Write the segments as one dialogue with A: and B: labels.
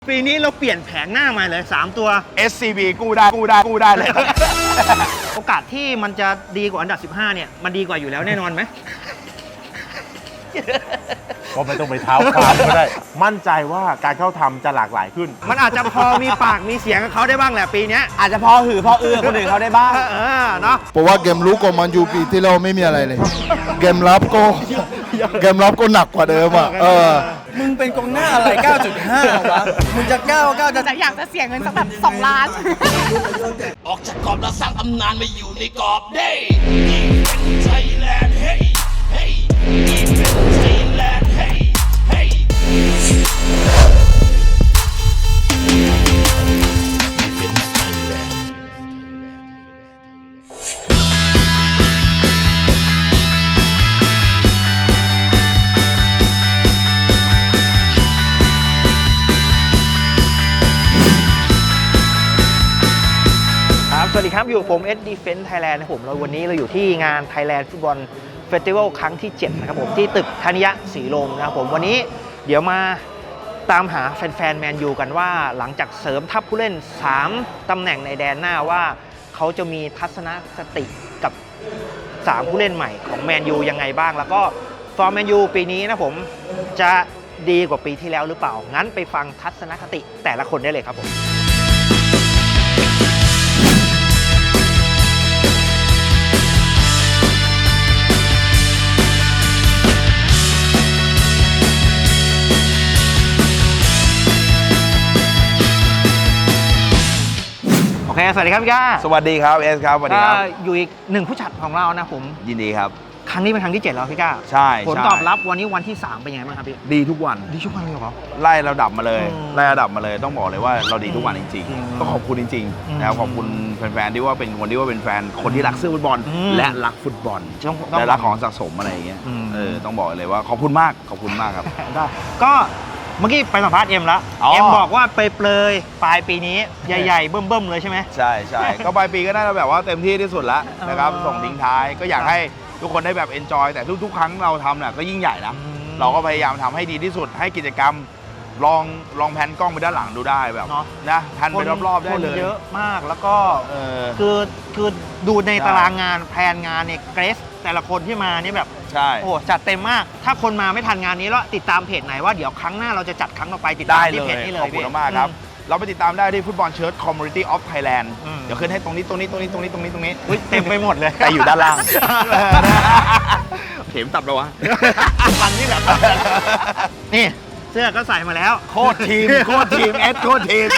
A: ปีนี้เราเปลี่ยนแผงหน้ามาเลย3ตัว
B: SCB กู้ได้เลย
A: โอกาสที่มันจะดีกว่าอันดับ15เนี่ยมันดีกว่าอยู่แล้วแน่นอนไหม
C: ก็ไม่ต้องไปเท้าความก็ได้ มั่นใจว่าการเข้าทำจะหลากหลายขึ้น
A: มันอาจจะพอมีปากมีเสียงกับเขาได้บ้างแหละปีเนี้ย
B: อาจจะพอหือพอเอื้อคนอื่นเขาได้บ้าง
A: เนาะ
D: เพราะว่าเกมลุกของมันยูปีที่เราไม่มีอะไรเลย เกมรับก็หนักกว่าเดิมอ่ะ
E: มึงเป็นกองหน้าอะไร 9.5 วะ มึงจะ9จะ
F: แต่อยากจะเสียเงินสักแบบ2 ล้าน
G: ออกจากกรอบแล้วสร้างตำนานมาอยู่ในกรอบได้ไทยแลนด์เฮ้ยเฮ้ยไทยแลนด์เฮ้ยเฮ้ย
A: สวัสดีครับอยู่กับผมDefense Thailand นะครับผมวันนี้เราอยู่ที่งาน Thailand Football Festival ครั้งที่ 7 นะครับผมที่ตึกธนิยะศรีลมนะครับผมวันนี้เดี๋ยวมาตามหาแฟนๆแมนยูกันว่าหลังจากเสริมทัพผู้เล่น3ตำแหน่งในแดนหน้าว่าเขาจะมีทัศนคติกับ3ผู้เล่นใหม่ของแมนยูยังไงบ้างแล้วก็ฟอร์มแมนยูปีนี้นะผมจะดีกว่าปีที่แล้วหรือเปล่างั้นไปฟังทัศนคติแต่ละคนได้เลยครับผมโอเคสวัสดีครับพี่ก้า
B: สวัสดีครับเอสครับสวัสดีครับ
A: อยู่อีกหนึ่งผู้จัดของเรานะผม
B: ยินดีครับ
A: ครั้งนี้เป็นครั้งที่ 7 แล้วพี่ก้า
B: ใช่
A: ผลตอบรับวันนี้วันที่ 3 เป็นยังไงบ้างครับพี่
B: ดีทุกวัน
A: ดีทุกวันเลยเหรอ
B: ไล่ระดับมาเลย
A: อืม
B: ไล่ระดับมาเลยต้องบอกเลยว่าเราดีทุกวันจริง
A: อืม
B: ๆต้องขอบคุณจริง
A: อืม
B: ๆนะครับขอบคุณแฟนๆที่ว่าเป็นคนที่ว่าเป็นแฟนคนที่รักเสื้อฟุตบอล
A: อืม
B: และรักฟุตบอล
A: ต้อง
B: และรักของสะสมอะไรอย่างเงี้ย
A: อืม
B: ต้องบอกเลยว่าขอบคุณมากขอบคุณมากครับ
A: ได้ก็เมื่อกี้ไปสัมภาษณ์เอ็มแล้ว
B: อ๋อ
A: เอ็มบอกว่าไปเปลยปลายปีนี้ใหญ่ๆเบิ่มๆเลยใช่ไหม
B: ใช่ใช่ ก็ปลายปีก็น่าจะแบบว่าเต็มที่ที่สุดแล้วนะครับ
A: อ๋อ
B: ส่งทิ้งท้ายก็อยากให้ทุกคนได้แบบเอนจอยแต่ทุกๆ ครั้งเราทำเนี่ยก็ยิ่งใหญ่นะ
A: อืม
B: เราก็พยายามทำให้ดีที่สุดให้กิจกรรมลองแพนกล้องไปด้านหลังดูได้แบบ
A: เนาะ
B: นะแพนไปรอบๆได้เลย
A: คนเยอะมากแล้วก็
B: เออ
A: คือดูใน
B: ใช่
A: ตารางงานแพลนงานเนี่ยเกรสแต่ละคนที่มาเนี่ยแบบ
B: ใช่
A: โอ้จัดเต็มมาก ถ้าคนมาไม่ทันงานนี้แล้วติดตามเพจไหนว่าเดี๋ยวครั้งหน้าเราจะจัดครั้งต่อไปติดตา
B: ได้
A: ม
B: เล
A: ที่เพจ
B: ย
A: นี้เล
B: ขอย บคุณมากครับ เราไปติดตามได้ที่ฟุตบอลเชิร์ตคอมมูนิตี้ออฟไทยแลนด์
A: อืม
B: เดี๋ยวขึ้นให้ตรงนี้
A: อุ๊ยเต็มไปหมดเลย
B: แต่อยู่ด้านล่าง เข็มตับแล้ววะ
A: วันนี้แบบนี่เสื้อก็ใส่มาแล้ว
B: โคตรทีมโคตรทีมเอสโคตรทีม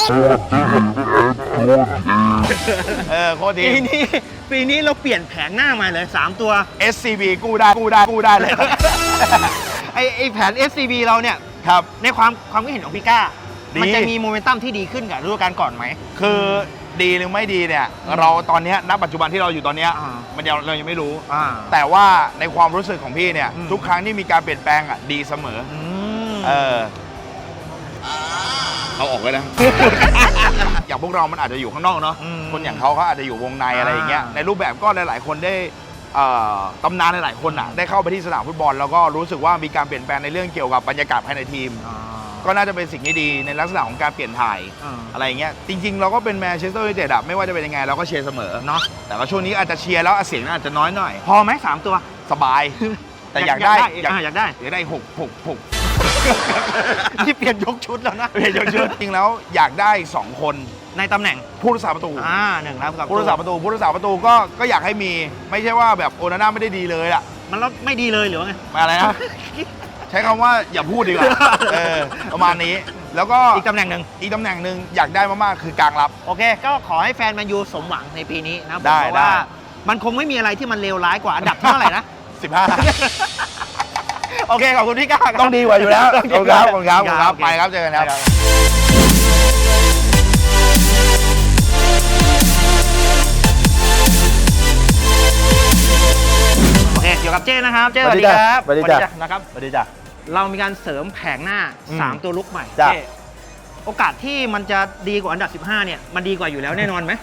B: โคตรที
A: ปี
B: ม
A: นี้เราเปลี่ยนแผงหน้ามาเลย3ตัว
B: SCB กู้ได้เลย
A: ไอแผน SCB เราเนี่ย
B: ครับ
A: ในความคิดเห็นของพี่ก้า
B: ดี
A: มันจะมีโมเมนตัมที่ดีขึ้นกับฤดูกาลก่อนไหม
B: คือดีหรือไม่ดีเนี่ย เราตอนเนี้ยณปัจจุบันที่เราอยู่ตอนเนี้ย
A: อ่า
B: เรายังไม่รู้
A: อ่า
B: แต่ว่าในความรู้สึกของพี่เนี่ย
A: อืม
B: ทุกครั้งที่มีการเปลี่ยนแปลงอ่ะดีเสมอ
A: อืม
B: เอาออกเลยนะ อย่างพวกเรามันอาจจะอยู่ข้างนอกเนาะ
A: อืม
B: คนอย่างเขาอาจจะอยู่วงในอะไรอย่างเงี้ย
A: อ่า
B: ในรูปแบบก็หลายๆคนได้ตำนานหลายๆคนอ่ะได้เข้าไปที่สนามฟุตบอลแล้วก็รู้สึกว่ามีการเปลี่ยนแปลงในเรื่องเกี่ยวกับบรรยากาศภายในทีม
A: อ่า
B: ก็น่าจะเป็นสิ่งที่ดีในลักษณะของการเปลี่ยนถ่าย
A: อ่า
B: อะไรอย่างเงี้ยจริง ๆ เราก็เป็นแมนเชสเตอร์ยูไนเต็ดอะไม่ว่าจะเป็นยังไงเราก็เชียร์เสมอ
A: เนาะ
B: แต่ว่าช่วงนี้อาจจะเชียร์แล้วเสียงอาจจะน้อยหน่อย
A: พอไหม3ตัว
B: สบาย แต่อยากได้
A: อยากได้
B: อยากได้หก
A: ที่เปลี่ยนยกชุดแล้วนะ
B: เยอะๆจริงแล้วอยากได้ 2 คน
A: ในตำแหน่ง
B: ผู้รักษาประตู
A: หนึ่งแล้วกับ
B: ผู้รักษาประตูก็อยากให้มีไม่ใช่ว่าแบบโอนาน่าไม่ได้ดีเลยอะ
A: มันแล้วไม่ดีเลยหรือว่าไง
B: อะไรนะ ใช้คำว่าอย่าพูดดีกว่าประมาณนี้แล้วก็
A: อีกตำแหน่งหนึ่ง
B: อีกตำแหน่งหนึ่งอยากได้มากๆคือกลางรับ
A: โอเค ก็ขอให้แฟนแมนยูสมหวังในปีนี้นะผม
B: ได้
A: เพราะว่า
B: ได้
A: มันคงไม่มีอะไรที่มันเลวร้ายกว่าอันดับเท่าไหร่นะ
B: 15
A: โอเค ขอบคุณพี่ก้าครับ
B: ต้องดีกว่าอยู่แล้ว
A: ต้องดี
B: ขอบ
A: กว่า
B: คุณครับ
A: ครับ
B: ไปครับเจอกันครับ
A: โอเคเกี่ยวกับเจ้นะครับเจ้
C: ส
A: ส
C: วั
A: วั
C: ส
A: ส
C: ดี
A: ดีค
C: จ้ะ
A: รับ
C: สวัสดีจ้ะ
A: นะครับ
C: สวัสดีจ้ะ
A: เรามีการเสริมแผงหน้า 3 ตัวลุกใหม่
C: จ้ะ
A: เจ้โอกาสที่มันจะดีกว่าอันดับ15เนี่ยมันดีกว่าอยู่แล้วแน่นอนไหม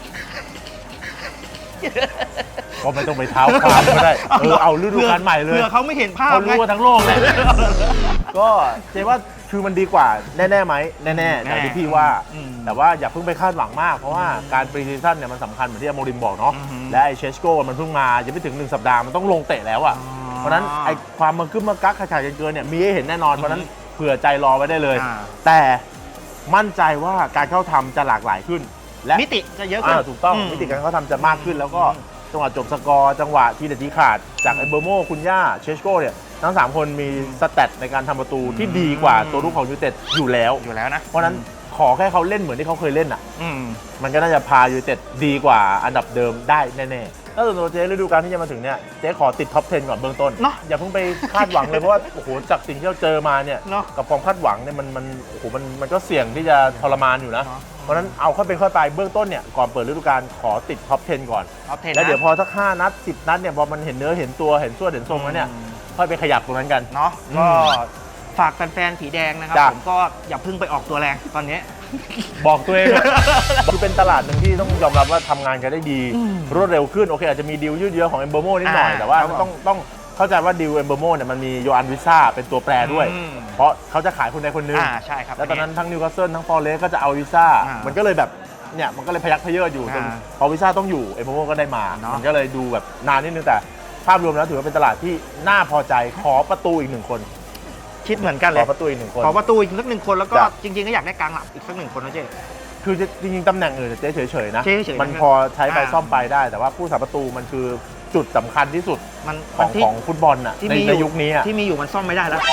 C: ก็ไม่ต้องไปเท้าความก็ได้ เอาฤดูกาลใหม่เลย
A: เผื่อเขาไม่เห็นภาพ
C: เขารู้
A: ไง
C: ว่าทั้งโลกเลย ก็เจ๊ว่าคือมันดีกว่าแน่ๆไหมแน่ๆอย่างที่พี่ว่า แต่ว่าอย่าเพิ่งไปคาดหวังมากเพราะว่าการปรีซีซั่นเนี่ยมันสำคัญเหมือนที่อโมริมบอกเนาะและไอเชสโก้มันเพิ่งมายังไม่ถึง1 สัปดาห์มันต้องลงเตะแล้วอ่ะเพราะนั้นไอความมันขึ้นมากักขาดเกินเนี่ยมีให้เห็นแน่นอนเพราะนั้นเผื่อใจรอไว้ได้เลย แต่มั่นใจว่าการเข้าทำจะหลากหลายขึ้นและ
A: มิติจะเยอะขึ้น
C: ถูกต้องมิติการเข้าทำจะมากขึ้นแล้วก็จังหวะจบสกอร์จังหวะทีเด็ดทีขาดจากไอเบอร์โมคุณย่าเชสโก้เนี่ยทั้ง3คนมีสแตทในการทำประตูที่ดีกว่าตัวรุกของยูไนเต็ดอยู่แล้ว
A: นะ
C: เพราะนั้นขอแค่เขาเล่นเหมือนที่เขาเคยเล่นอ่ะ
A: ม
C: มันก็น่าจะพายูไนเต็ดดีกว่าอันดับเดิมได้แน่ๆถ้าส่วนตัวเจ๊ฤดูกาลที่จะมาถึงเนี่ยเจ๊ขอติดท็อป 10 ก่อนเบื้องต้น
A: เนาะ
C: อย่าเพิ่งไปคาดหวังเลยเพราะว่าโอ้โหจากสิ่งที่เราเจอมาเนี่ย
A: เนาะ
C: กับความคาดหวังเนี่ยโอ้โหมันก็เสี่ยงที่จะทรมานอยู่นะ
A: เนาะ
C: เพราะฉะนั้นเอาค่อยเป็นค่อยไปเบื้องต้นเนี่ยก่อนเปิดฤดูกาลขอติดท็อป 10 ก่อน
A: ท็อป 10
C: แล้วเดี๋ยวพอสัก5 นัด 10 นัดเนี่ยพอมันเห็นเนื้อเห็นตัวเห็นส่วนเห็นทรงแล้วเนี่ยค่อยไปขยับตรงนั้นกัน
A: เนาะก็ฝากแฟนๆผีแดงนะครับ
C: จ้ะ
A: ผมก็อย่าเพิ่งไปออกตัวแรงตอนนี้
C: บอกตัวเอง คือเป็นตลาดหนึ่งที่ต้องยอมรับว่าทำงานกันได้ดีรวดเร็วขึ้นโอเคอาจจะมีดีลยืดเยื้อของเอมเบอร์โมนิดหน่อยแต่ว่าต้องเข้าใจว่าดีลเอมเบอร์โมเนี่ยมันมีโยอันวิซ่าเป็นตัวแปรด้วย เพราะเขาจะขายคนใดคนหนึ่ง
A: ใช่ครับ
C: แล้วตอนนั้นทั้งนิวคาสเซิลทั้งฟอร์เรสก็จะเอาวิซ่ามันก็เลยแบบเนี่ยมันก็เลยพยักพเยิดอยู่จนพอวิซ่าต้องอยู่เอมเบอร์โมก็ได้มามันก็เลยดูแบบนานนิดนึงแต่ภาพรวมแล้วถือว่าเป็นตลาดที่น่าพอใจขอประตูอีก1 คน
A: คิดเหมือนกันเล
C: ข
A: ย
C: อประตูอีก1 คน
A: ขอประตูอีกสัก 1 คนแล้วก็
C: จ้ะ
A: จริงๆก็อยากได้กลางหลังอีกสัก 1 คนนะเจ๊
C: คือจริงๆตำแหน่งอื่นเจ๊เฉยๆนะ
A: เจ๊เฉยๆ
C: มันพอใช้ไปซ่อมไปได้ แต่ว่าผู้สาประตูมันคือจุดสำคัญที่สุด
A: มัน
C: ของฟุตบอลน่ะ
A: ที่
C: ใน
A: มี
C: ในยุคนี้อะ
A: ที่มีอยู่มันซ่อมไม่ได้แล้ว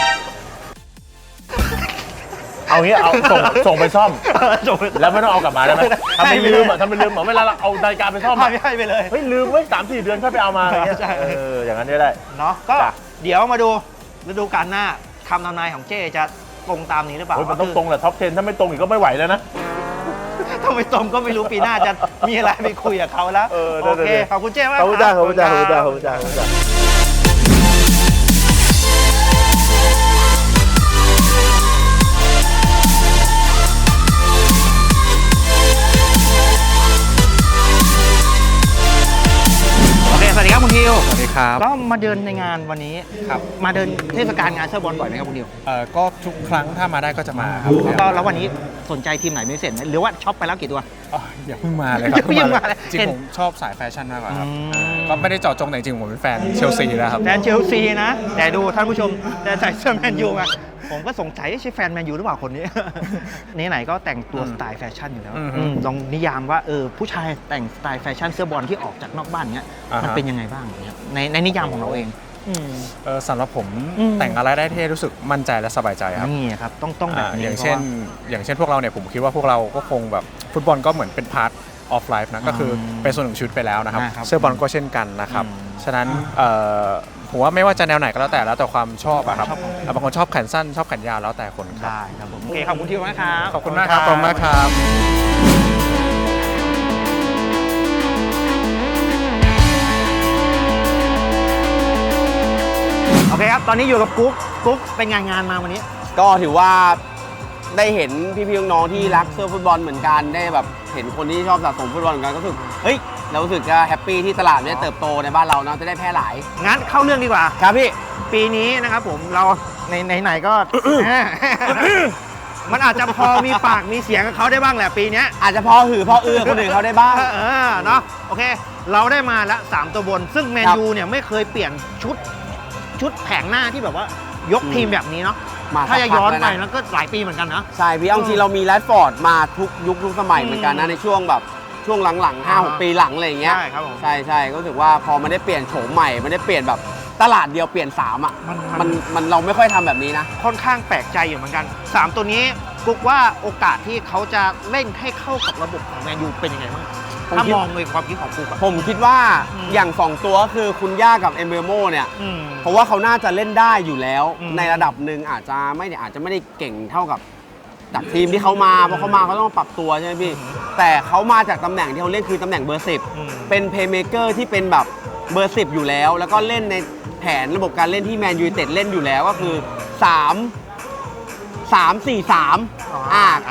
C: เอางี้เอาส่งไปซ่อม
A: จบ
C: แล้วไม่ต้องเอากลับมาได้ไหมทำเป็นลืมอ่ะทำเป็นลืมเหมือนเวลาเราเอานาฬิกาไปซ่อมอะ
A: ให้ไปเลย
C: เฮ้ยลืมไว้3-4 เดือนค่อยไปเอามาอะไรเงี้ย
A: ใช่
C: อย่างนั้นก็ได้
A: เนาะก็
C: จ้ะ
A: เดี๋ยวมาดูฤดูกาลหน้าคำทำนายของเจ๊จะตรงตามนี้หรือเปล่า
C: โอ้ยมันต้องตรงแหละท็อป 10 ถ้าไม่ตรงอีกก็ไม่ไหวแล้วนะ
A: ถ้าไม่ตรงก็ไม่รู้ปีหน้าจะมีอะไรไปคุยกับเขาแล้ว
C: ได้
A: โอเค
C: ๆ
A: ขอบคุณเจ๊มาก
C: ขอบคุณจ้าขอบคุณจ้าขอบคุณจ้า
A: รั
C: ขอบคุณจ้าขอบคุณจ้า
A: โอเคสวัสดีครับคุณทิว
E: สวัสดีครับ
A: ก็มาเดินในงานวันนี้
E: ครับ
A: มาเดินเทศกาลงานเสื้อบอลบ่อยไหมครับคุณทิว
E: ก็ทุกครั้งถ้ามาได้ก็จะมาครับ
A: แล้ววันนี้สนใจทีมไหนเป็นพิเศษไหมหรือว่าช็อปไปแล้วกี่ตัว
E: อย่าเพิ่งมาเลยครับ
A: อย่าเพิ่งมาเลย
E: จริง
A: เห็น
E: ผมชอบสายแฟชั่นมากกว่าครับ
A: อืม
E: ก็ไม่ได้เจาะจงแต่จริงๆผมเป็นแฟนเชลซีนะครับ
A: แฟนเชลซีนะ แต่ดูท่านผู้ชมแต่ใส่เสื้อแมนยูไงผมก็สงสัยใช่แฟนแมนยูหรือเปล่าคนนี้ ไหนๆก็แต่งตัวสไตล์แฟชั่นอยู่แล้ว
E: อืม
A: ลองนิยามว่าผู้ชายแต่งสไตล์แฟชั่นเสื้อบอลที่ออกจากนอกบ้านเงี้ย
E: อ่าฮะ
A: มันเป็นยังไงบ้างเนี่ยในนิยามของเราเองอืม
E: สำหรับผม
A: อืม
E: แต่งอะไรได้เท่รู้สึกมั่นใจและสบายใจครับ
A: นี่ครับต้องแบบนี้
E: อย่างเช่น พวกเราเนี่ยผมคิดว่าพวกเราก็คงแบบฟุตบอลก็เหมือนเป็นพาร์ทออฟไลฟ์นะก็คือเป็นส่วนหนึ่งชีวิตไปแล้วนะครับ
A: นะครับ
E: เสื้อบอลก็เช่นกันนะครับ
A: อืม
E: ฉะนั้นผมว่าไม่ว่าจะแนวไหนก็แล้วแต่ความชอบอะครับ
A: ชอบ
E: บางคนชอบแขนสั้นชอบแขนยาวแล้วแต่คนครับ
A: ได้ครับผมโอเคขอบคุณทิวมากครับ
E: ขอบคุณมากครับขอบคุณมากครับ
A: โอเคครับตอนนี้อยู่กับกุ๊กเป็นงานมาวันนี้
H: ก็ถือว่าได้เห็นพี่ๆน้องๆที่รักเสื้อฟุตบอลเหมือนกันได้แบบเห็นคนที่ชอบสะสมฟุตบอลเหมือนกันก็รู้สึกเฮ้ยเรารู้สึกจะแฮปปี้ที่ตลาดมันได้เติบโตในบ้านเราเนาะจะได้แพร่หลาย
A: งั้นเข้าเรื่องดีกว่า
H: ครับพี่
A: ปีนี้นะครับผมเราในไหนๆก็ มันอาจจะพอมีปากมีเสียงกับเขาได้บ้างแหละปีเนี้ย
H: อาจจะพอหือพอเอือคนอื่นเขาได้บ้าง
A: เนาะโอเค เราได้มาละ3ตัวบน ซึ่งแมนยูเนี่ยไม่เคยเปลี่ยนชุดแผงหน้าที่แบบว่ายกทีมแบบนี้เนาะ
H: มา
A: ถ้าจะย้อนไป
H: สักพักแล้วนะ
A: แล้วก็หลายปีเหมือนกันนะ
H: ใช่พี่เอาจริงๆเรามีแรดฟอร์ดมาทุกยุคทุกสมัยเหมือนกันนะในช่วงแบบช่วงหลังๆ 5-6 ปีหลังอะไรอย่างเงี้ย
A: ใช่ครับผม
H: ใช่ก็รู้สึกว่าพอมันได้เปลี่ยนโฉมใหม่มันได้เปลี่ยนแบบตลาดเดียวเปลี่ยน3อ่ะ มันเราไม่ค่อยทำแบบนี้นะ
A: ค่อนข้างแปลกใจอยู่เหมือนกัน 3 ตัวนี้กุ๊กว่าโอกาสที่เขาจะเล่นให้เข้ากับระบบของแมนยูเป็นยังไงบ้าง
H: ผม
A: ถ้า
H: คิด
A: มองในความคิดของกุ๊กอะ
H: ผมคิดว่า
A: อืม
H: อย่าง 2 ตัวก็คือคุณย่ากับเอมเบอร์โมเนี่ย
A: อืม
H: เพราะว่าเขาน่าจะเล่นได้อยู่แล้ว
A: อืม
H: ในระดับหนึ่งอาจจะไม่ได้เก่งเท่ากับจากทีมที่เขามาเพราะเขามาเขาต้องปรับตัวใช่ไหมพี่แต่เขามาจากตำแหน่งที่เขาเล่นคือตำแหน่งเบอร์
A: อืม
H: 10 เป็นเพลย์เมเกอร์ที่เป็นแบบเบอร์ 10 อยู่แล้ว แล้วก็เล่นในแผนระบบการเล่นที่แมนยูไนเต็ดเล่นอยู่แล้วก็คือ 3-4-3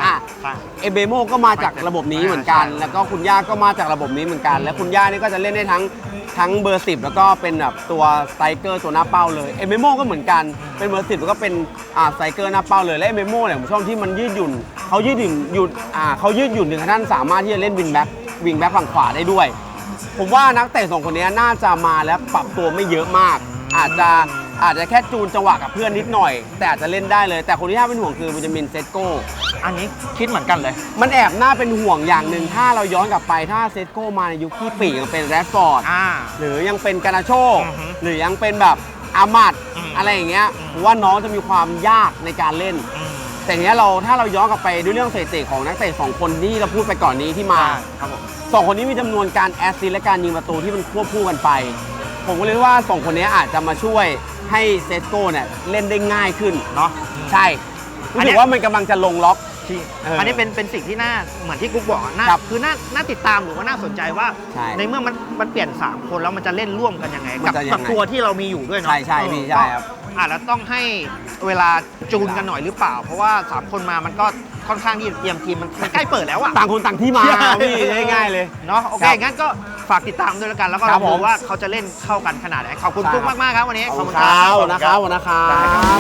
A: ใช่
H: เอเบโมก็มาจากระบบนี้เหมือนกัน แล้วก็คุณย่าก็มาจากระบบนี้เหมือนกัน และคุณย่านี่ก็จะเล่นได้ทั้งเบอร์ 10 แล้วก็เป็นแบบตัวสไตรเกอร์ตัวหน้าเป้าเลยเอเบโมก็เหมือนกันเป็นเบอร์ 10 แล้วก็เป็นสไตรเกอร์หน้าเป้าเลยและเอเบโมเนี่ยผมชอบที่มันยืดหยุ่นเขายืดหยุ่นถึงขั้นสามารถที่จะเล่นวิงแบ็คฝั่งขวาได้ด้วย ผมว่านักเตะ2คนนี้น่าจะมาแล้วปรับตัวไม่เยอะมาก อาจจะแค่จูนจังหวะกับเพื่อนนิดหน่อย แต่อาจจะเล่นได้เลย แต่คนที่น่าเป็นห่วงคือเบนจามินเซสโก้
A: อันนี้คิดเหมือนกันเลย
H: มันแอบน่าเป็นห่วงอย่างหนึ่งถ้าเราย้อนกลับไปถ้าเซสโก้มาในยุคที่ปีกยังเป็นแรดฟอร์ดหรือยังเป็นกานาโช หรือยังเป็นแบบอามัดอะไรอย่างเงี้ยผมว่าน้องจะมีความยากในการเล่น แต่เนี้ยถ้าเราย้อนกลับไปด้วยเรื่องสถิติของนักเตะ2คนที่เราพูดไปก่อนนี้ที่มาสองคนนี้มีจำนวนการแอสซิสต์และการยิงประตูที่มันควบคู่กันไป ผมก็เลยว่า2คนนี้อาจจะมาช่วยให้เซสโก้เนี่ยเล่นได้ง่ายขึ้นเนาะใช่รู้สึกว่ามันกำลังจะลงล็อก
A: อันนี้เป็นสิ่งที่น่าเหมือนที่กุ๊กบอกอะคือน่าติดตามหรือว่าน่าสนใจว่า ในเมื่อมันเปลี่ยน3คนแล้วมันจะเล่นร่วมกันยังไงกับตัวที่เรามีอยู่ด้วยเนาะ
H: ใช่พี่ใช่ครับ
A: แล้วต้องให้เวลาจูนกันหน่อยหรือเปล่า เพราะว่า3คนมามันก็ค่อนข้างที่เตรียมทีมมันใกล้เปิดแล้วอะ
H: ต่างคนต่างที่มาพี่ง่ายๆเลย
A: เนาะโอเคงั้นก็ฝากติดตามด้วยแล้วกันแล้วก็ลองดูว่าเขาจะเล่นเข้ากันขนาดไหนขอบคุณกุ๊กมากๆครับวันนี้ขอบคุณครับ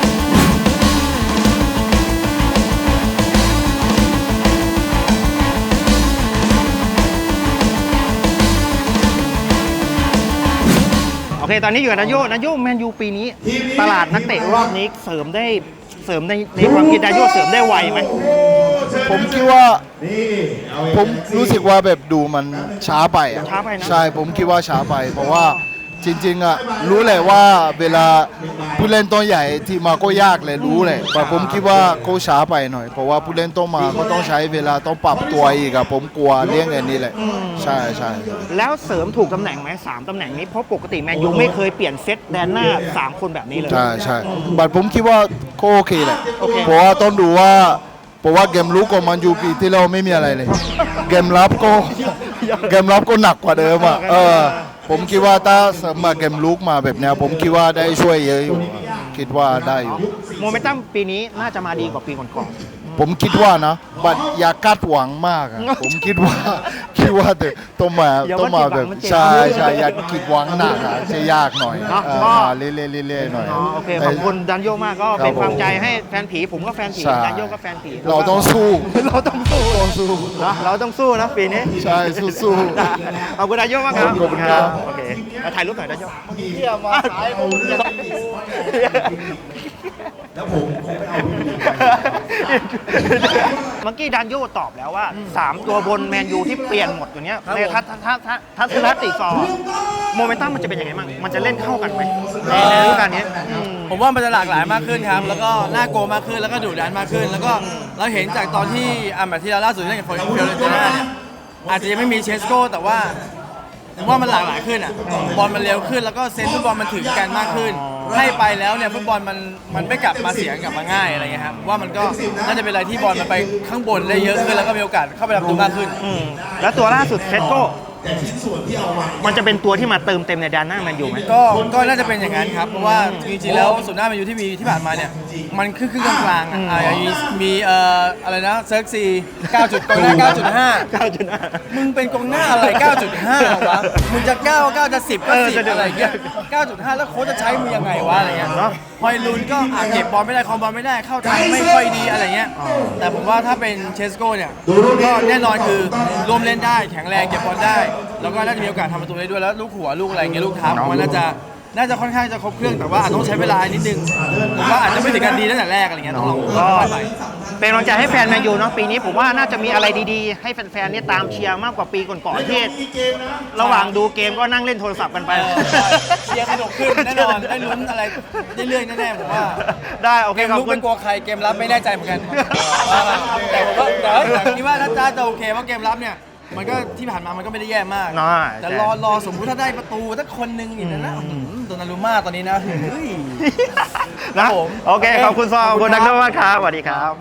A: โอเคตอนนี้อยู่กับนายโยแมนยูปีนี้ตลาดนักเตะรอบนี้เสริมในความคิดนายโยเสริมได้ไวไหม
D: ผมคิดว่าผมรู้สึกว่าแบบดูมันช้าไปอะ
A: ช้าไปนะ
D: ใช่ผมคิดว่าช้าไป เพราะว่าจริงๆอะรู้เลยว่าเวลาผู้เล่นตัวใหญ่ที่มาก็ยากเลยรู้เลยแต่ผมคิดว่าเขาช้าไปหน่อย เพราะว่าผู้เล่นต้องมาก็ต้องใช้เวลาต้องปรับตัวอีกอะผมกลัวเรื่องอันนี้เลยใช่ใช่
A: แล้วเสริมถูกตำแหน่งไหม3ตำแหน่งนี้เพราะปกติแมนยูไม่เคยเปลี่ยนเซตแดนหน้า3คนแบบนี้เลย
D: ใช่ใช่บัตรผมคิดว่าก็โอเคแหละ
A: โอเค
D: เพราะว่าต้องดูว่าเพราะว่าเกมลุกของมันยูปีที่เราไม่มีอะไรเลย เกมรับก็หนักกว่าเดิมอ่ะผมคิดว่าถ้าเสริมมาเกมลุกมาแบบเนี้ยผมคิดว่าได้ช่วยเยอะอยู่คิดว่าได้อยู่
A: โมเมนตัมปีนี้น่าจะมาดีกว่าปีก่อน
D: ผมคิดว่านะบัตรอย่าคาดหวังมากอะผมคิดว่าแต่ต้องมาแบบใช่อย่าคิดหวังหนักอะจะยากหน่อยมาเรื่อยๆหน่อย
A: ๆโอเคขอบคุณดันโยมากก็เป็นความใจให้แฟนผีผมก็แฟนผี
D: ใช่
A: ดันโยก็แฟนผี
D: เราต้องสู้
A: เราต้องสู้นะเราต้องสู้นะปีนี้
D: ใช่สู้
A: ขอบคุณดันโยมากครับ
D: ขอบคุณครับ
A: โอเคมาถ่ายรูปหน่อยดันโย
D: เยี่ยมมาสายผม
A: เมื่อกี้ดันโยตอบแล้วว่า3ตัวบนแมนยูที่เปลี่ยนหมดอยู่เนี้ยในทัศนคติฟอร์โมเมนตัมมันจะเป็นยังไงบ้างมันจะเล่นเข้ากันไหมในฤดูกาลนี้
I: ผมว่ามันจะหลากหลายมากขึ้นครับ แล้วก็น่ากลัวมากขึ้น แล้วก็ดุดันมากขึ้น แล้วก็เราเห็นจากตอนที่แบบที่เราล่าสุดเล่นกับฟิโอเรนติน่าเนี่ยอาจจะยังไม่มีเชสโก้แต่ว่าผมว่ามันหลากหลายขึ้นอ่ะบอลมันเร็วขึ้นแล้วก็เซนส์ฟุตบอลมันถึงกันมากขึ้นให้ไปแล้วเนี่ยฟุตบอลมันไม่กลับมาเสียกลับมาง่ายอะไรเงี้ยครับว่ามันก็น่าจะเป็นอะไรที่บอลมันไปข้างบนได้เยอะขึ้นแล้วก็มีโอกาสเข้าไปรับตัวมากขึ้น
A: แล้วตัวล่าสุดเซตโก้มันจะเป็นตัวที่มาเติมเต็มในแดนหน้าแมนยูไหม
I: ก็น่าจะเป็นอย่างนั้นครับเพราะว่าจริงๆแล้วส่วนหน้าแมนยูที่ผ่านมาเนี่ยมันครึ่งกลางๆมีอะไรนะเซิร์กซี9.9 กองหน้า 9.5 มึงเป็นกองหน้าอะไร 9.5 วะมึงจะ9จะ 10 ก็ 10 อะไรเงี้ย 9.5 แล้วโค้ชจะใช้มึงยังไงวะอะไรเงี้ยเนาะฮอยลุนก็เก็บบอลไม่ได้คอมบอลไม่ได้เข้าทางไม่ค่อยดีอะไรเงี้ยแต่ผมว่าถ้าเป็นเชสโก้เนี่ยก็แน่นอนคือร่วมเล่นได้แข็งแรงเก็บบอลได้แล้วก็น่าจะมีโอกาสทำประตูได้ด้วยแล้วลูกหัวลูกอะไรเงี้ยลูกเท้ามันน่าจะค่อนข้างจะครบเครื่องแต่ว่าอาจต้องใช้เวลานิดนึงผมว่าอาจจะไม่ถึงกันดีตั้งแต่แรกอะไรเงี้ยต้องลองไป
A: เป็นกำลังใจให้แฟนแมนยูเนาะปีนี้ผมว่าน่าจะมีอะไรดีๆให้แฟนๆเนี่ยตามเชียร์มากกว่าปีก่อนๆที่ระหว่างดูเกมก็นั่งเล่นโทรศัพท์กันไป
I: เชียร์สนุกขึ้นแน่นอนได้ลุ้นอะไรเรื่อยๆแน่ๆผมว่า
A: ได้โอเค
I: เกม
A: ขอบ
I: ลุก
A: คุ
I: เป็
A: ณ
I: นกลัวใครเกมรับไม่แน่ใจเหมือนกันแต่ผมว่าแต่คิดว่าถ้าจะโอเคเพราะเกมรับเนี่ยมันก็ที่ผ่านมามันก็ไม่ได้แย่มากแต่รอสมมุติถ้าได้ประตูถ้าคนนึงอย่างนั้นนะโดนารุม่าตอนนี้นะ
A: นะโอเคขอบคุณซอขอบคุณดักโนมากครับสวัสดีครับ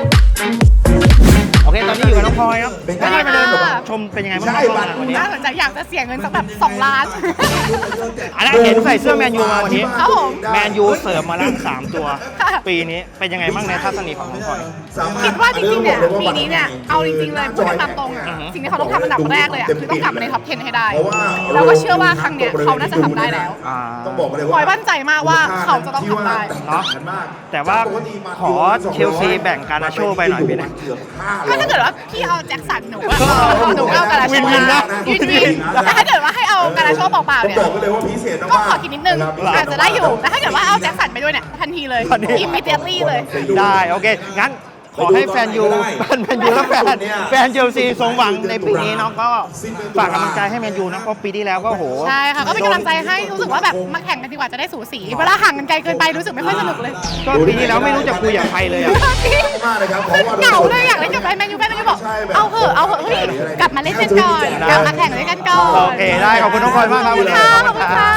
A: โอเคตอนนี้อยู่กับน้องพลอยครับได้มาเดินชมเป็นยังไงบ้างน้องพลอยวันนี้
F: น่าสนใจอยากจะเสียเงินสักแบบ2 ล้าน
A: อันนั้นเห็นใส่เสื้อแมนยูมาวันนี้
F: ครับผม
A: แมนยูเสริมมาแล้ว3 ตัว
F: ค่ะ
A: ปีนี้เป็นยังไงบ้างในทัศนีของน้องพลอย
F: คิดว่าจริงๆเนี่ยปีนี้เนี่ยเอาจริงๆเลยพูดกันตามตรงอ่ะสิ่งที่เขาต้องทำอันดับแรกเลยอ่ะคือต้องกลับมาในท็อป 10 ให้ได้แล้วก็เชื่อว่าครั้งเนี้ยเขาน่าจะทำได้แล้ว พลอยมั่นใจมากว่าเขาจะต้องทำได้
A: เนาะแต่ว่าขอเชลซีแบ่งการนาโชไปหน่อยพี่นะ
F: ก็ถ้าเกิดว่าพี่เอาแจ็คสันหนูก็เอาการาโช
A: วินๆนะ
F: วินแต่ถ้าเกิดว่าให้เอาการาโชเปล่าๆเนี่ยก็ขอคิดนิดนึงอาจจะได้อยู่แต่ถ้าเกิดว่าเอาแจ็คสันไปด้วยเนี่ยทันทีเลย immediately เลย
A: ได้โอเคงั้นขอให้แฟนยูแมนยูและแฟนเชลซีสมหวังในปีนี้น้องก็ฝากกำลังใจให้แมนยูนะเพราะปีที่แล้วก็โห
F: ใช่ค่ะก็เป็นกำลังใจให้รู้สึกว่าแบบมาแข่งกันดีกว่าจะได้สูสีเวลาห่างกันไกลเกินไปรู้สึกไม่ค่อยสนุกเลย
A: ก็ปีที่แล้วไม่รู้จะคุยกับใครเลยอะ
F: เหงาเลยอยากเล่นกับแมนยูบอกเอาเหอะเฮ้ยกลับมาเล่นกันก่อนกลับมาแข่งด้วยกันก่อน
A: โอเคได้ขอบคุณน้องพลอยมากครับ
F: ขอบคุณค่ะขอบคุณค่ะ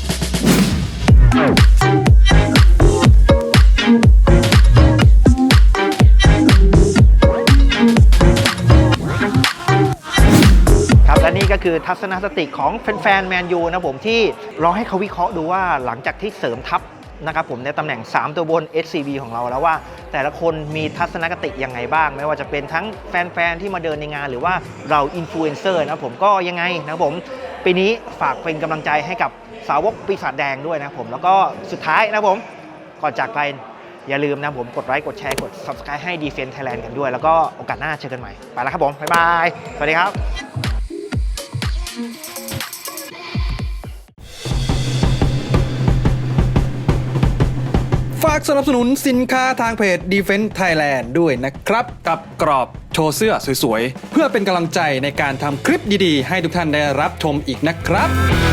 A: ครับและนี่ก็คือทัศนคติของแฟนๆแมนยูนะผมที่รอให้เขาวิเคราะห์ดูว่าหลังจากที่เสริมทัพนะครับผมในตำแหน่ง 3 ตัวบน SCB ของเราแล้วว่า แต่ละคนมีทัศนคติยังไงบ้าง ไม่ว่าจะเป็นทั้งแฟนๆที่มาเดินในงานหรือว่าเราอินฟลูเอนเซอร์นะผมก็ยังไงนะครับผมปีนี้ฝากเป็นกำลังใจให้กับสาวกปีศาจแดงด้วยนะครับผมแล้วก็สุดท้ายนะครับผมก่อนจากไปอย่าลืมนะผมกดไลค์กดแชร์กด Subscribe ให้ Defense Thailand กันด้วยแล้วก็โอกาสหน้าเจอกันใหม่ไปแล้วครับผมบ๊ายบายสวัสดีครับ
J: ฝากสนับสนุนสินค้าทางเพจ Defense Thailand ด้วยนะครับ กับกรอบโชว์เสื้อสวยๆ เพื่อเป็นกำลังใจในการทำคลิปดีๆ ให้ทุกท่านได้รับชมอีกนะครับ